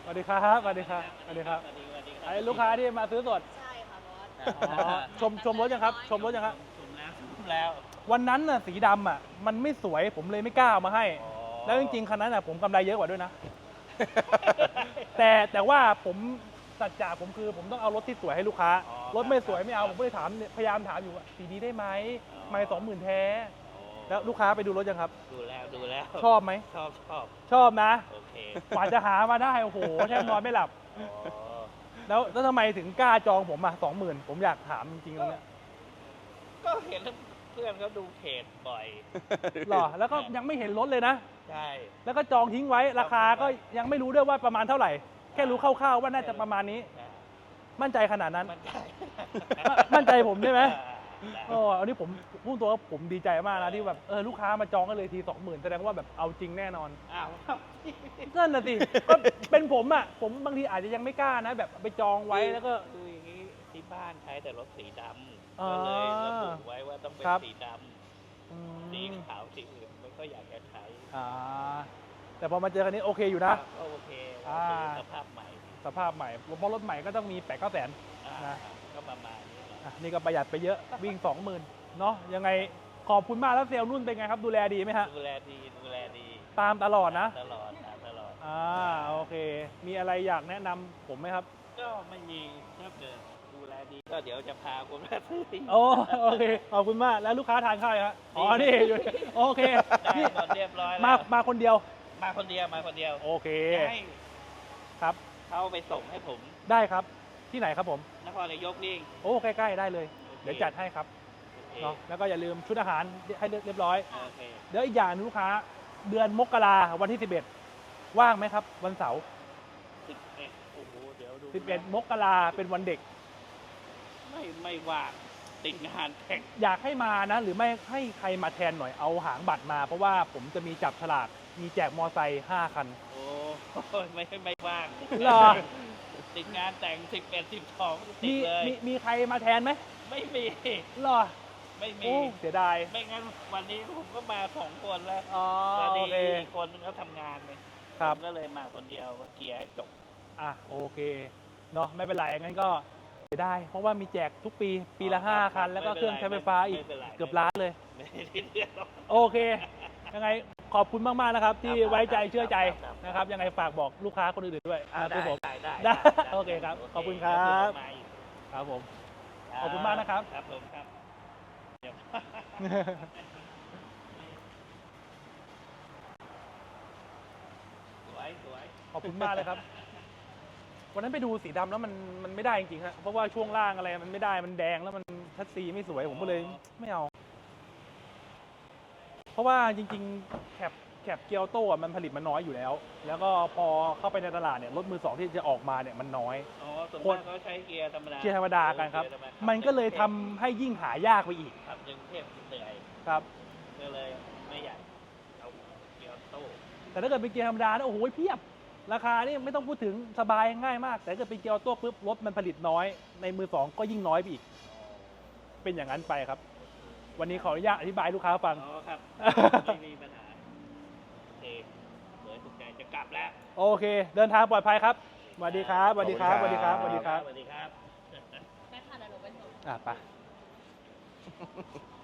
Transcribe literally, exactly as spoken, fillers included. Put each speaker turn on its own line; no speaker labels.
วัสดีครับสวัสดีครับสวัสดีครับไอ้ลูกค้าที่มาซื้อสด
ใช่ค่ะบอส
อ๋อชมชมรถยังครับชมรถยังครับ
ชมแล้วชมแล้ว
วันนั้นน่ะสีดำอ่ะมันไม่สวยผมเลยไม่กล้าเอามาให้ แล้วจริงๆคันนั้นอ่ะผมกำไรเยอะกว่าด้วยนะ แต่แต่ว่าผมสัจจะผมคือผมต้องเอารถที่สวยให้ลูกค้า รถไม่สวยไม่เอาผมก็เลยถามพยายามถามอยู่ว่าสีนี้ได้ไหมไม่สองหมื่นแท้แล้วลูกค้าไปดูรถยังครับ
ดูแล้วดูแล้ว
ชอบไหม
ชอบชอบ
ชอบนะ
โอเค
กว่าจะหามาได้โอ้โหแทบนอนไม่หลับแล้วแล้วทำไมถึงกล้าจองผมอ่ะสองหมื่นผมอยากถามจริงๆตรงเนี้ย
ก็เห็นเพื่อนเขาดูเพจบ่อย
หรอแล้วก็ยังไม่เห็นรถเลยนะ
ใช่
แล้วก็จองทิ้งไว้ราคาก็ยังไม่รู้ด้วยว่าประมาณเท่าไหร่แค่รู้คร่าวๆว่าน่าจะประมาณนี้มั่นใจขนาดนั้น
มั่นใจ
มั่นใจผมใช่ไหมอ๋ออันนี้ผมพูดตัวว่าผมดีใจมากนะที่แบบเออลูกค้ามาจองกันเลยทีสองหมื่นแสดงว่าแบบเอาจริงแน่นอน
อ้าว
นั่นน่ะสิก็เป็นผมอ่ะผมบางทีอาจจะยังไม่กล้านะแบบไปจองไว้แล้วก็
คืออย่างนี้ที่บ้านใช้แต่รถสีดำก็เลยระบุไว้ว่าต้องเป็นสีดำสีขาวสีอื่นไม่ก็อยากจะใช้
อ่าแต่พอมาเจอคันนี้โอเคอยู่นะ
โอเคสภาพใหม่
สภาพใหม่เพราะรถใหม่ก็ต้องมีแปดเก้าแสนนะ
ก็ประมาณนี้
นี่ก็ประหยัดไปเยอะวิ่งสองหมื่นเนาะยังไงขอบคุณมากแล้วเซลล์นุ่นเป็นไงครับดูแลดีไหมฮะ
ดูแลดีดูแลดี
ตามตลอดนะ
ตลอดตลอด
อ่าโอเคมีอะไรอยากแนะนำผมไหมครับ
ก็ไม่มีถ้าเกิดดูแลดีก็เดี๋ยวจะพาคุณมาซื้อ
โอ้โอเคขอบคุณมากแล้วลูกค้าทานข้าวครับอ๋อนี่อยู่โอเค
นี่หมดเรียบร้อยแล้ว
มามาคนเดียว
มาคนเดียวมาคนเดียว
โอเค
ครับเขาไปส่งให้ผม
ได้ครับที่ไหนครับผม
นครนายกนี่
โอ้ใกล้ๆได้เลยเดี๋ยวจัดให้ครับเนาะแล้วก็อย่าลืมชุดอาหารให้เรียบร้อยเดี๋ยวอีกอย่างลูกค้าเดือนมกราวันที่สิบเอ็ดว่างไหมครับวันเสาร์
สิบเอ็ดโอ้โหเดี๋ยวดู
สิบเอ็ดมกราเป็นวันเด็ก
ไม่ไม่ว่างติดงานแข่ง
อยากให้มานะหรือไม่ให้ใครมาแทนหน่อยเอาหางบัตรมาเพราะว่าผมจะมีจับฉลากมีแจกมอไซค์ห้าคัน
โอ้ไม่ไม่ว่าง
หรอ
ติดงานแต่งสิบเอ็ดสิบสองติดเลย
มีมีใครมาแทนไหม
ไม่มี
หรอ
ไม่มี
เสียดาย
ไม่งั้นวันนี้ผมก็มาสองคนแล้ว
อ๋อ
โอเคคนนึงเขาทำงานเลย
ครับ
ก็เลยมาคนเดียวเกียร์จบ
อ่ะโอเคเนาะไม่เป็นไรงั้นก็เสียดายเพราะว่ามีแจกทุกปีปีละห้าคันแล้วก็เครื่องใช้ไฟฟ้าอีกเกือบล้านเลยโอเคยังไงขอบคุณมากๆนะครับที่ไว้ใจเชื่อใจนะครับยังไงฝากบอกลูกค้าคนอื่นๆด้วยอ่าตัวผม
ได้
ได้โอเคครับขอบคุณครับครับผมขอบคุณมากนะครับ
ครับผมครับสวยสวย
ขอบคุณมากเลยครับวันนั้นไปดูสีดำแล้วมันมันไม่ได้จริงๆครับเพราะว่าช่วงล่างอะไรมันไม่ได้มันแดงแล้วมันชัดซีไม่สวยผมก็เลยไม่เอาเพราะว่าจริงๆแคปแคปเกียวโต้มันผลิตมันน้อยอยู่แล้วแล้วก็พอเข้าไปในตลาดเนี่ยรถมือสองที่จะออกมาเนี่ยมันน้อย
อ๋อส่วนมากเขาใช้เกียร์ธรรมดา
เกียร์ธรรมดากันครับมันก็เลยทำให้ยิ่งหายากไปอีก
ครับจึงเทพเหนื่อย
ครับ
ก็เลยไม่อยากเอาเกียร์โต้
แต่ถ้าเกิดเป็นเกียร์ธรรมดาเนี่ยโอ้โหเพียบราคานี่ไม่ต้องพูดถึงสบายง่ายมากแต่ถ้าเกิดเป็นเกียร์โต้ปุ๊บรถมันผลิตน้อยในมือสองก็ยิ่งน้อยไปอีกเป็นอย่างนั้นไปครับวันนี้ขออนุญาตอธิบายลูกค้าฟัง
อ๋อครับไม่มีปัญหาโอเคสวยถูกใจจะกลับแล้ว
โอเคเดินทางปลอดภัยครับสวัสดีครับสวัสดีครับสวัสดีครับสวัสดีครับ
สวัสดีครับ
ไปค่ะเดี๋ยวหนูไปส่ง
อ่ะไป